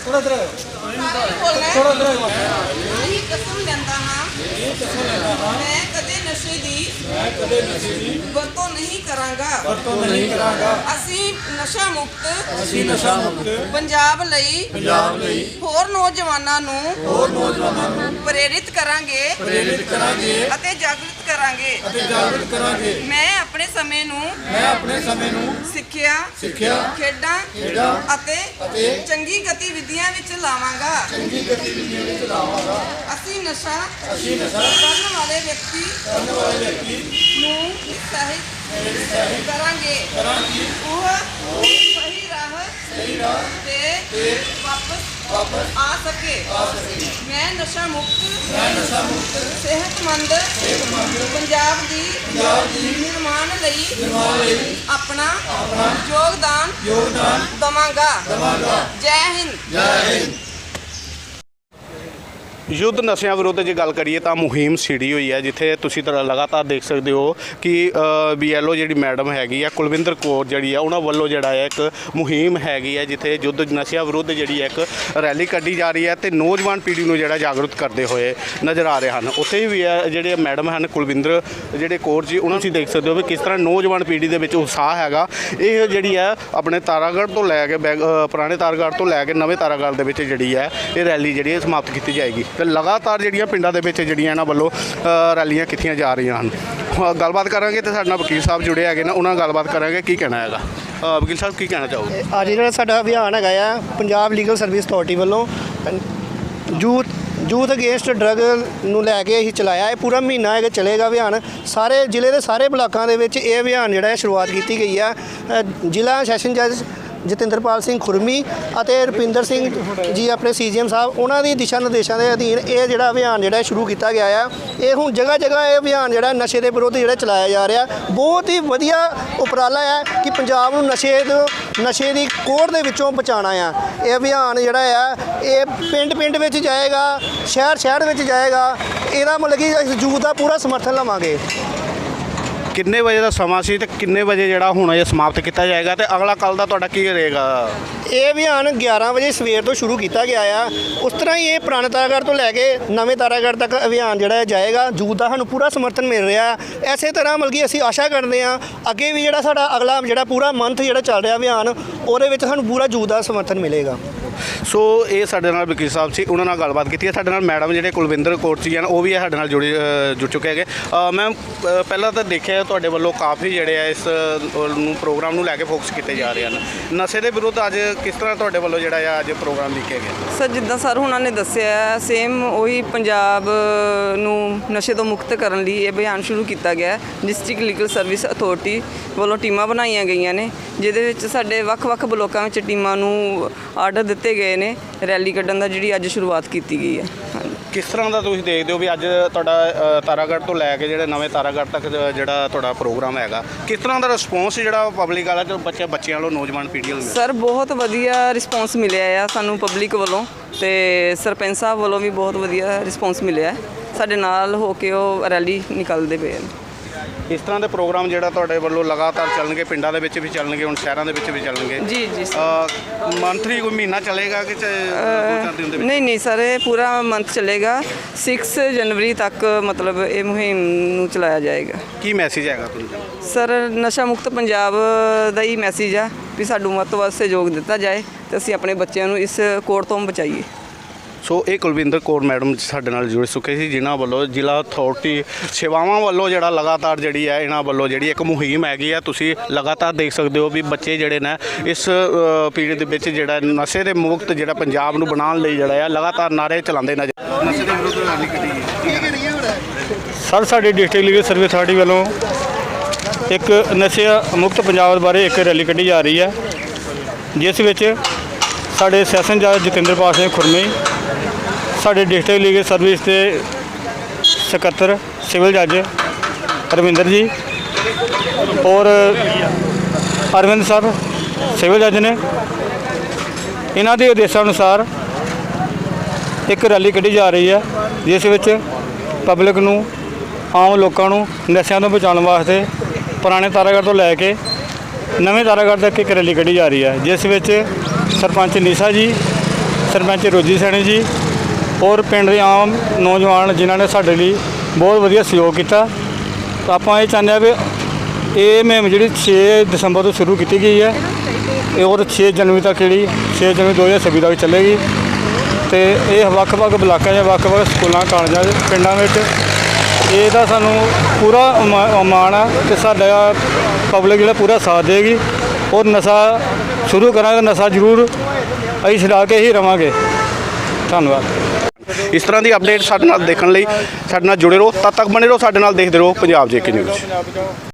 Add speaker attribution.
Speaker 1: कसम लेंदा हाँ मैं कदे नशे दी वरतों नहीं करांगा असी नशा मुक्त पंजाब लई होर नौजवानां नूं प्रेरित करांगे अते जागृत करांगे मैं अपने समय नूं सिੱਖਿਆ ਖੇਡਾਂ ਅਤੇ ਚੰਗੀ ਗਤੀਵਿਧੀਆਂ ਵਿੱਚ ਲਾਵਾਂਗਾ ਅਸੀਂ ਨਸ਼ਾ ਕਰਨ ਵਾਲੇ ਵਿਅਕਤੀ ਨੂੰ ਉਤਸ਼ਾਹਿਤ ਕਰਾਂਗੇ ਉਹ ਸਹੀ ਰਾਹ ਤੇ ਵਾਪਸ आ सके मैं नशा मुक्त सेहतमंद पंजाब दी निर्माण लई अपना योगदान दवांगा। जय हिंद।
Speaker 2: युद्ध नशਿਆਂ विरुद्ध ਜੇ ਗੱਲ ਕਰੀਏ ਤਾਂ ਮੁਹਿੰਮ ਛਿੜੀ ਹੋਈ ਹੈ ਜਿੱਥੇ ਤੁਸੀਂ ਲਗਾਤਾਰ ਦੇਖ ਸਕਦੇ ਹੋ ਕਿ BLO ਜਿਹੜੀ ਮੈਡਮ ਹੈਗੀ ਆ ਕੁਲਵਿੰਦਰ ਕੌਰ ਜਿਹੜੀ ਆ ਉਹਨਾਂ ਵੱਲੋਂ ਜਿਹੜਾ ਹੈ ਇੱਕ ਮੁਹਿੰਮ ਹੈਗੀ ਹੈ ਜਿੱਥੇ ਯੁੱਧ ਨਸ਼ਿਆਂ ਵਿਰੁੱਧ ਜਿਹੜੀ ਇੱਕ ਰੈਲੀ ਕੱਢੀ ਜਾ ਰਹੀ ਹੈ ਤੇ ਨੌਜਵਾਨ ਪੀੜ੍ਹੀ ਨੂੰ ਜਿਹੜਾ ਜਾਗਰੂਕ ਕਰਦੇ ਹੋਏ ਨਜ਼ਰ ਆ ਰਹੇ ਹਨ। ਉੱਥੇ ਵੀ ਜਿਹੜੇ ਮੈਡਮ ਹਨ ਕੁਲਵਿੰਦਰ ਜਿਹੜੇ ਕੌਰ ਜੀ ਉਹਨਾਂ ਤੁਸੀਂ ਦੇਖ ਸਕਦੇ ਹੋ ਵੀ ਕਿਸ ਤਰ੍ਹਾਂ ਨੌਜਵਾਨ ਪੀੜ੍ਹੀ ਦੇ ਵਿੱਚ ਉਤਸ਼ਾਹ ਹੈਗਾ। ਇਹ ਜਿਹੜੀ ਹੈ ਆਪਣੇ ਤਾਰਾਗੜ੍ਹ ਤੋਂ ਲੈ ਕੇ ਪੁਰਾਣੇ ਤਾਰਾਗੜ੍ਹ ਤੋਂ ਲੈ ਕੇ ਨਵੇਂ ਤਾਰਾਗੜ੍ਹ ਦੇ ਵਿੱਚ ਜਿਹੜੀ ਹੈ ਇਹ ਰੈਲੀ ਜਿਹੜੀ ਹੈ ਸਮਾਪਤ ਕੀਤੀ ਜਾਏਗੀ ਤੇ ਲਗਾਤਾਰ ਜਿਹੜੀਆਂ ਪਿੰਡਾਂ ਦੇ ਵਿੱਚ ਜਿਹੜੀਆਂ ਇਹਨਾਂ ਵੱਲੋਂ ਰੈਲੀਆਂ ਕੀਤੀਆਂ ਜਾ ਰਹੀਆਂ ਹਨ। ਗੱਲਬਾਤ ਕਰਾਂਗੇ ਤੇ ਸਾਡੇ ਨਾਲ ਵਕੀਲ ਸਾਹਿਬ ਜੁੜੇ ਹੈਗੇ ਨੇ ਉਹਨਾਂ ਨਾਲ ਗੱਲਬਾਤ ਕਰਾਂਗੇ ਕੀ ਕਹਿਣਾ ਹੈਗਾ। ਵਕੀਲ ਸਾਹਿਬ ਕੀ ਕਹਿਣਾ ਚਾਹੋਗੇ?
Speaker 3: ਅੱਜ ਜਿਹੜਾ ਸਾਡਾ ਅਭਿਆਨ ਹੈਗਾ ਆ ਪੰਜਾਬ ਲੀਗਲ ਸਰਵਿਸ ਅਥਾਰਟੀ ਵੱਲੋਂ ਯੂਥ ਅਗੇਂਸਟ ਡਰੱਗ ਨੂੰ ਲੈ ਕੇ ਅਸੀਂ ਚਲਾਇਆ। ਇਹ ਪੂਰਾ ਮਹੀਨਾ ਹੈਗਾ ਚੱਲੇਗਾ ਅਭਿਆਨ। ਸਾਰੇ ਜ਼ਿਲ੍ਹੇ ਦੇ ਸਾਰੇ ਬਲਾਕਾਂ ਦੇ ਵਿੱਚ ਇਹ ਅਭਿਆਨ ਜਿਹੜਾ ਹੈ ਸ਼ੁਰੂਆਤ ਕੀਤੀ ਗਈ ਆ। ਜ਼ਿਲ੍ਹਾ ਸੈਸ਼ਨ ਜੱਜ ਜਤਿੰਦਰਪਾਲ ਸਿੰਘ ਖੁਰਮੀ ਅਤੇ ਰੁਪਿੰਦਰ ਸਿੰਘ ਜੀ ਆਪਣੇ CGM ਸਾਹਿਬ ਉਹਨਾਂ ਦੀ ਦਿਸ਼ਾ ਨਿਰਦੇਸ਼ਾਂ ਦੇ ਅਧੀਨ ਇਹ ਜਿਹੜਾ ਅਭਿਆਨ ਜਿਹੜਾ ਸ਼ੁਰੂ ਕੀਤਾ ਗਿਆ ਆ। ਇਹ ਹੁਣ ਜਗ੍ਹਾ ਜਗ੍ਹਾ ਇਹ ਅਭਿਆਨ ਜਿਹੜਾ ਨਸ਼ੇ ਦੇ ਵਿਰੁੱਧ ਜਿਹੜਾ ਚਲਾਇਆ ਜਾ ਰਿਹਾ ਬਹੁਤ ਹੀ ਵਧੀਆ ਉਪਰਾਲਾ ਹੈ ਕਿ ਪੰਜਾਬ ਨੂੰ ਨਸ਼ੇ ਦੀ ਕੋੜ ਦੇ ਵਿੱਚੋਂ ਬਚਾਉਣਾ ਆ। ਇਹ ਅਭਿਆਨ ਜਿਹੜਾ ਆ ਇਹ ਪਿੰਡ ਵਿੱਚ ਜਾਏਗਾ, ਸ਼ਹਿਰ ਵਿੱਚ ਜਾਏਗਾ। ਇਹਦਾ ਮਤਲਬ ਕਿ ਅਸੀਂ ਯੂਥ ਦਾ ਪੂਰਾ ਸਮਰਥਨ ਲਵਾਂਗੇ।
Speaker 2: ਕਿੰਨੇ ਵਜੇ ਦਾ ਸਮਾਂ ਸੀ ਤੇ ਕਿੰਨੇ ਵਜੇ ਜਿਹੜਾ ਹੁਣ ਇਹ ਸਮਾਪਤ ਕੀਤਾ ਜਾਏਗਾ ਤੇ ਅਗਲਾ ਕੱਲ ਦਾ ਤੁਹਾਡਾ ਕੀ ਰਹੇਗਾ?
Speaker 3: ਇਹ ਅਭਿਆਨ 11 ਵਜੇ ਸਵੇਰ ਤੋਂ ਸ਼ੁਰੂ ਕੀਤਾ ਗਿਆ ਆ। ਉਸ ਤਰ੍ਹਾਂ ਹੀ ਇਹ ਪੁਰਾਣੇ ਤਾਰਾਗੜ੍ਹ ਤੋਂ ਲੈ ਕੇ ਨਵੇਂ ਤਾਰਾਗੜ੍ਹ ਤੱਕ ਅਭਿਆਨ ਜਿਹੜਾ ਜਾਏਗਾ। ਯੂਥ ਦਾ ਸਾਨੂੰ ਪੂਰਾ ਸਮਰਥਨ ਮਿਲ ਰਿਹਾ। ਐਸੇ ਤਰ੍ਹਾਂ ਮਤਲਬ ਕਿ ਅਸੀਂ ਆਸ਼ਾ ਕਰਦੇ ਹਾਂ ਅੱਗੇ ਵੀ ਜਿਹੜਾ ਸਾਡਾ ਅਗਲਾ ਜਿਹੜਾ ਪੂਰਾ ਮੰਥ ਜਿਹੜਾ ਚੱਲ ਰਿਹਾ ਅਭਿਆਨ ਉਹਦੇ ਵਿੱਚ ਸਾਨੂੰ ਪੂਰਾ ਯੂਥ ਦਾ ਸਮਰਥਨ ਮਿਲੇਗਾ।
Speaker 2: ਸੋ ਇਹ ਸਾਡੇ ਨਾਲ ਵਕੀਲ ਸਾਹਿਬ ਸੀ, ਉਹਨਾਂ ਨਾਲ ਗੱਲਬਾਤ ਕੀਤੀ ਹੈ। ਸਾਡੇ ਨਾਲ ਮੈਡਮ ਜਿਹੜੇ ਕੁਲਵਿੰਦਰ ਕੌਰ ਜੀ ਹਨ ਉਹ ਵੀ ਸਾਡੇ ਨਾਲ ਜੁੜ ਚੁੱਕੇ ਹੈਗੇ। ਮੈਮ ਪਹਿਲਾਂ ਤਾਂ ਦੇਖਿਆ ਤੁਹਾਡੇ ਵੱਲੋਂ ਕਾਫੀ ਜਿਹੜੇ ਆ ਇਸ ਨੂੰ ਪ੍ਰੋਗਰਾਮ ਨੂੰ ਲੈ ਕੇ ਫੋਕਸ ਕੀਤੇ ਜਾ ਰਹੇ ਹਨ। ਨਸ਼ੇ ਦੇ ਵਿਰੁੱਧ ਅੱਜ ਕਿਸ ਤਰ੍ਹਾਂ ਤੁਹਾਡੇ ਵੱਲੋਂ ਜਿਹੜਾ ਆ ਅੱਜ ਪ੍ਰੋਗਰਾਮ ਲਿਖਿਆ ਗਿਆ?
Speaker 1: ਸਰ ਜਿੱਦਾਂ ਸਰ ਉਹਨਾਂ ਨੇ ਦੱਸਿਆ ਸੇਮ ਉਹੀ ਪੰਜਾਬ ਨੂੰ ਨਸ਼ੇ ਤੋਂ ਮੁਕਤ ਕਰਨ ਲਈ ਇਹ ਅਭਿਆਨ ਸ਼ੁਰੂ ਕੀਤਾ ਗਿਆ। ਡਿਸਟ੍ਰਿਕਟ ਲੀਗਲ ਸਰਵਿਸ ਅਥਾਰਟੀ ਵੱਲੋਂ ਟੀਮਾਂ ਬਣਾਈਆਂ ਗਈਆਂ ਨੇ ਜਿਹਦੇ ਵਿੱਚ ਸਾਡੇ ਵੱਖ-ਵੱਖ ਬਲੋਕਾਂ ਵਿੱਚ ਟੀਮਾਂ ਨੂੰ ਆਰਡਰ ਦਿੱਤੇ ਗਏ ਨੇ ਰੈਲੀ ਕੱਢਣ ਦਾ ਜਿਹੜੀ ਅੱਜ ਸ਼ੁਰੂਆਤ ਕੀਤੀ ਗਈ ਹੈ।
Speaker 2: ਕਿਸ ਤਰ੍ਹਾਂ ਦਾ ਤੁਸੀਂ ਦੇਖਦੇ ਹੋ ਵੀ ਅੱਜ ਤੁਹਾਡਾ ਤਾਰਾਗੜ੍ਹ ਤੋਂ ਲੈ ਕੇ ਜਿਹੜੇ ਨਵੇਂ ਤਾਰਾਗੜ੍ਹ ਤੱਕ ਜਿਹੜਾ ਤੁਹਾਡਾ ਪ੍ਰੋਗਰਾਮ ਹੈਗਾ ਕਿਸ ਤਰ੍ਹਾਂ ਦਾ ਰਿਸਪੌਂਸ ਜਿਹੜਾ ਪਬਲਿਕ ਵਾਲਾ ਜੋ ਬੱਚਿਆਂ ਵੱਲੋਂ ਨੌਜਵਾਨ ਪੀੜ੍ਹੀ ਵੱਲੋਂ?
Speaker 1: ਸਰ ਬਹੁਤ ਵਧੀਆ ਰਿਸਪੌਂਸ ਮਿਲਿਆ ਆ ਸਾਨੂੰ ਪਬਲਿਕ ਵੱਲੋਂ ਤੇ ਸਰਪੰਚ ਸਾਹਿਬ ਵੱਲੋਂ ਵੀ ਬਹੁਤ ਵਧੀਆ ਰਿਸਪੌਂਸ ਮਿਲਿਆ। ਸਾਡੇ ਨਾਲ ਹੋ ਕੇ ਉਹ ਰੈਲੀ ਨਿਕਲਦੇ ਪਏ ਨੇ।
Speaker 2: ਇਸ ਤਰ੍ਹਾਂ ਦੇ ਪ੍ਰੋਗਰਾਮ ਜਿਹੜਾ ਤੁਹਾਡੇ ਵੱਲੋਂ ਲਗਾਤਾਰ ਚੱਲਣਗੇ, ਪਿੰਡਾਂ ਦੇ ਵਿੱਚ ਵੀ ਚੱਲਣਗੇ, ਹੁਣ ਸ਼ਹਿਰਾਂ ਦੇ ਵਿੱਚ ਵੀ ਚੱਲਣਗੇ?
Speaker 1: ਜੀ
Speaker 2: ਮੰਥਲੀ ਕੋਈ ਮਹੀਨਾ ਚੱਲੇਗਾ ਕਿ 2-4 ਦਿਨ ਦੇ ਵਿੱਚ?
Speaker 1: ਨਹੀਂ ਸਰ ਇਹ ਪੂਰਾ ਮੰਥ ਚੱਲੇਗਾ। 6 ਜਨਵਰੀ ਤੱਕ ਮਤਲਬ ਇਹ ਮੁਹਿੰਮ ਨੂੰ ਚਲਾਇਆ ਜਾਏਗਾ।
Speaker 2: ਕੀ ਮੈਸੇਜ ਹੈਗਾ ਤੁਹਾਨੂੰ?
Speaker 1: ਸਰ ਨਸ਼ਾ ਮੁਕਤ ਪੰਜਾਬ ਦਾ ਹੀ ਮੈਸੇਜ ਆ ਵੀ ਸਾਨੂੰ ਵੱਧ ਤੋਂ ਵੱਧ ਸਹਿਯੋਗ ਦਿੱਤਾ ਜਾਏ ਤੇ ਅਸੀਂ ਆਪਣੇ ਬੱਚਿਆਂ ਨੂੰ ਇਸ ਕੋੜ ਤੋਂ ਬਚਾਈਏ।
Speaker 2: ਸੋ ਇਹ ਕੁਲਵਿੰਦਰ ਕੌਰ ਮੈਡਮ ਸਾਡੇ ਨਾਲ ਜੁੜ ਚੁੱਕੇ ਸੀ ਜਿਨ੍ਹਾਂ ਵੱਲੋਂ ਜ਼ਿਲ੍ਹਾ ਅਥਾਰਟੀ ਸੇਵਾਵਾਂ ਵੱਲੋਂ ਜਿਹੜਾ ਲਗਾਤਾਰ ਜਿਹੜੀ ਹੈ ਇਹਨਾਂ ਵੱਲੋਂ ਜਿਹੜੀ ਇੱਕ ਮੁਹਿੰਮ ਹੈਗੀ ਆ। ਤੁਸੀਂ ਲਗਾਤਾਰ ਦੇਖ ਸਕਦੇ ਹੋ ਵੀ ਬੱਚੇ ਜਿਹੜੇ ਨੇ ਇਸ ਪੀਰੀਅਡ ਦੇ ਵਿੱਚ ਜਿਹੜਾ ਨਸ਼ੇ ਦੇ ਮੁਕਤ ਜਿਹੜਾ ਪੰਜਾਬ ਨੂੰ ਬਣਾਉਣ ਲਈ ਜਿਹੜਾ ਆ ਲਗਾਤਾਰ ਨਾਅਰੇ ਚਲਾਉਂਦੇ ਨਜ਼ਰ। ਨਸ਼ੇ ਦੇ ਵਿਰੁੱਧ ਰੈਲੀ ਕੱਢੀ
Speaker 4: ਸਰ ਸਾਡੀ ਡਿਸਟ੍ਰਿਕਟ ਲੀਗਲ ਸਰਵਿਸ ਅਥਾਰਟੀ ਵੱਲੋਂ ਇੱਕ ਨਸ਼ੇ ਮੁਕਤ ਪੰਜਾਬ ਬਾਰੇ ਇੱਕ ਰੈਲੀ ਕੱਢੀ ਜਾ ਰਹੀ ਹੈ ਜਿਸ ਵਿੱਚ ਸਾਡੇ ਸੈਸ਼ਨ ਜੱਜ ਜਤਿੰਦਰਪਾਲ ਸਿੰਘ ਖੁਰਮੀ, ਸਾਡੇ ਡਿਸਟ੍ਰਿਕਟ ਲੀਗਲ ਸਰਵਿਸ ਦੇ ਸਕੱਤਰ ਸਿਵਲ ਜੱਜ ਰਵਿੰਦਰ ਜੀ ਔਰ ਅਰਵਿੰਦ ਸਾਹਿਬ ਸਿਵਲ ਜੱਜ ਨੇ। ਇਹਨਾਂ ਦੇ ਆਦੇਸ਼ਾਂ ਅਨੁਸਾਰ ਇੱਕ ਰੈਲੀ ਕੱਢੀ ਜਾ ਰਹੀ ਹੈ ਜਿਸ ਵਿੱਚ ਪਬਲਿਕ ਨੂੰ, ਆਮ ਲੋਕਾਂ ਨੂੰ ਨਸ਼ਿਆਂ ਤੋਂ ਬਚਾਉਣ ਵਾਸਤੇ ਪੁਰਾਣੇ ਤਾਰਾਗੜ੍ਹ ਤੋਂ ਲੈ ਕੇ ਨਵੇਂ ਤਾਰਾਗੜ੍ਹ ਤੱਕ ਇੱਕ ਰੈਲੀ ਕੱਢੀ ਜਾ ਰਹੀ ਹੈ ਜਿਸ ਵਿੱਚ ਸਰਪੰਚ ਨੀਸਾ ਜੀ, ਸਰਪੰਚ ਰੋਜੀ ਸੈਣੀ ਜੀ ਔਰ ਪਿੰਡ ਦੇ ਆਮ ਨੌਜਵਾਨ ਜਿਨ੍ਹਾਂ ਨੇ ਸਾਡੇ ਲਈ ਬਹੁਤ ਵਧੀਆ ਸਹਿਯੋਗ ਕੀਤਾ। ਤਾਂ ਆਪਾਂ ਇਹ ਚਾਹੁੰਦੇ ਹਾਂ ਵੀ ਇਹ ਮੁਹਿੰਮ ਜਿਹੜੀ 6 ਦਸੰਬਰ ਤੋਂ ਸ਼ੁਰੂ ਕੀਤੀ ਗਈ ਹੈ ਇਹ ਔਰ 6 ਜਨਵਰੀ ਤੱਕ ਜਿਹੜੀ 6 ਜਨਵਰੀ 2026 ਤੱਕ ਚੱਲੇਗੀ। ਤੇ ਇਹ ਵੱਖ-ਵੱਖ ਬਲਾਕਾਂ ਜਾਂ ਵੱਖ-ਵੱਖ ਸਕੂਲਾਂ ਕਾਲਜਾਂ ਪਿੰਡਾਂ ਵਿੱਚ ਇਹਦਾ ਸਾਨੂੰ ਪੂਰਾ ਮਾਣ ਆ ਕਿ ਸਾਡਾ ਪਬਲਿਕ ਜਿਹੜਾ ਪੂਰਾ ਸਾਥ ਦੇਗੀ ਔਰ ਨਸ਼ਾ ਸ਼ੁਰੂ ਕਰਾਂਗੇ। ਨਸ਼ਾ ਜ਼ਰੂਰ ਅਸੀਂ ਛੁਡਾ ਕੇ ਹੀ ਰਵਾਂਗੇ। ਧੰਨਵਾਦ।
Speaker 2: ਇਸ ਤਰ੍ਹਾਂ ਦੀ ਅਪਡੇਟ ਸਾਡੇ ਨਾਲ ਦੇਖਣ ਲਈ ਸਾਡੇ ਨਾਲ ਜੁੜੇ ਰਹੋ। ਤਦ ਤੱਕ ਬਣੇ ਰਹੋ ਸਾਡੇ ਨਾਲ, ਦੇਖਦੇ ਰਹੋ ਪੰਜਾਬ ਜੇਕੇ ਨਿਊਜ਼।